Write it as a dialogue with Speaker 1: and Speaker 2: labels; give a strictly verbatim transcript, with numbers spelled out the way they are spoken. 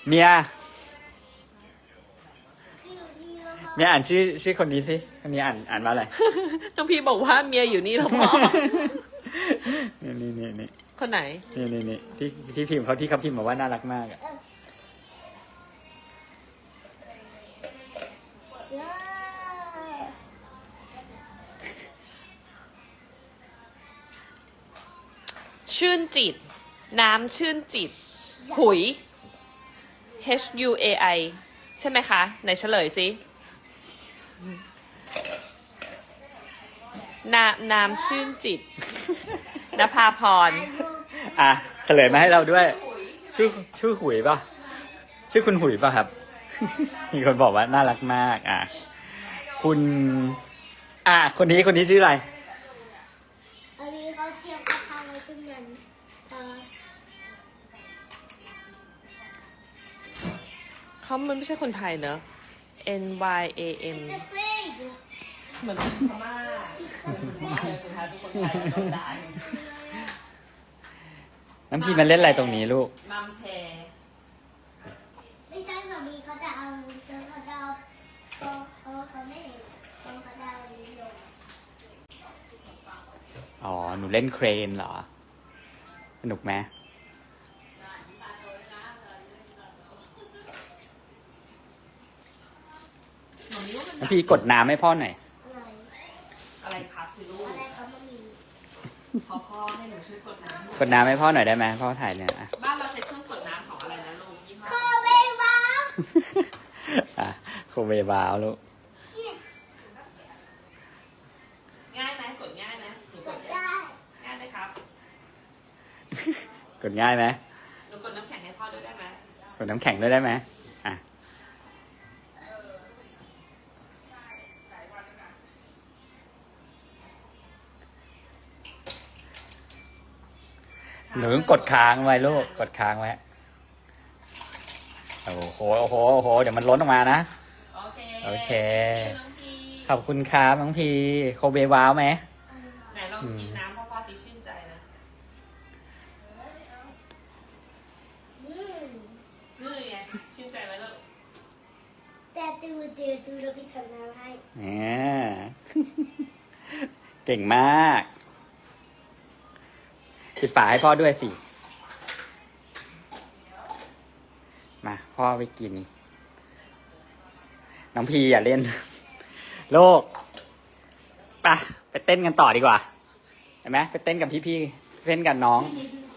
Speaker 1: เมียเมียอ่านชื่อชื่อคนนี้สิคนนี้อ่านอ่านว่าอะไร
Speaker 2: น้องพี่บอกว่าเมียอยู่นี่แล้วพ่อ
Speaker 1: นี่นี่นี่นี่
Speaker 2: คนไหน
Speaker 1: นี่นี่นี่ที่ที่พิมพ์เขาที่เขาพิมพ์บอกว่าน่ารักมากอะ
Speaker 2: ชื่นจิต น้ำชื่นจิต หุย H U A I ใช่ไหมคะไหนเฉลยสิน้ำน้ำชื่นจิตนภาพร
Speaker 1: อ่ะเฉลยมาให้เราด้วย ชื่อชื่อหุยป่ะชื่อคุณหุยป่ะครับ มีคนบอกว่าน่ารักมาก อ่ะคุณอ่ะคนนี้คนนี้ชื่ออะไร
Speaker 3: อันนี้เขาเตรียมกระเพราไว้ขึ้นยันเออ
Speaker 2: เขามันไม่ใช่คนไทยเนอะ N Y A M
Speaker 3: จะเฟรย์
Speaker 2: เหมือนพม่าสุดท้ายทุกคนไทยโดนด่า
Speaker 1: น้ำพีมันเล่นอะไรตรงนี้ลูก
Speaker 2: มัมแพร
Speaker 3: ไม่ใช่สามีเขาจะเอาเขาจะเอาเขาเขาเขาไม่เห็นเขาเขาจะเอาอันนี้ลง
Speaker 1: อ๋อ หนูเล่นเครนเหรอ สนุกไหมน้ำพีกดน้ำให้พ่อหน่อย
Speaker 3: อะไร
Speaker 2: อะไรครับสิลูก
Speaker 3: อะไรเขาไม่มี
Speaker 2: พ่อพ่อให้หนูช่วยกดน้ำ
Speaker 1: กดน้ำให้พ่อหน่อยได้ไหมพ่อถ่ายเนี่ยอ่ะ
Speaker 2: บ้านเราใช้เครื่องกดน้ำของอะไรนะลูกยี่ห้อ
Speaker 3: โคเววา
Speaker 1: อ่ะโคเวบาวลูก
Speaker 2: ง่ายไหมกดง่ายไหมหนูก
Speaker 3: ก
Speaker 2: ด
Speaker 3: ด
Speaker 2: ง่าย
Speaker 3: ได้
Speaker 2: ง่ายไหมครับ
Speaker 1: กดง่ายไหม
Speaker 2: หนูกดน้ำแข็งให้พ่อด้วยได้ไหม
Speaker 1: กดน้ำแข็งด้วยได้ไหมอ่ะหนูต้องกดค้างไว้ลูก กดค้างไว้ โอ้โห โอ้โห โอ้โห เดี๋ยวมันล้นออกมานะ
Speaker 2: โอเค
Speaker 1: โอเค
Speaker 2: น้องพี
Speaker 1: ขอบคุณครับน้องพีโคเบว้าวไหม
Speaker 2: ไหนลองกินน้ำพ่อพ่อจะชื่นใจนะ
Speaker 3: อืม
Speaker 2: นี่ไงชื่นใจไหมลูก
Speaker 3: แต่ตูตูตูเราไปทำน้ำให้
Speaker 1: อ่า เก่งมาก ปิดฝาให้พ่อด้วยสิ มาพ่อไปกิน น้องพีอย่าเล่น โลกไปไปเต้นกันต่อดีกว่าเห็นไหมไปเต้นกับพี่ๆเต้นกับน้อง
Speaker 2: พ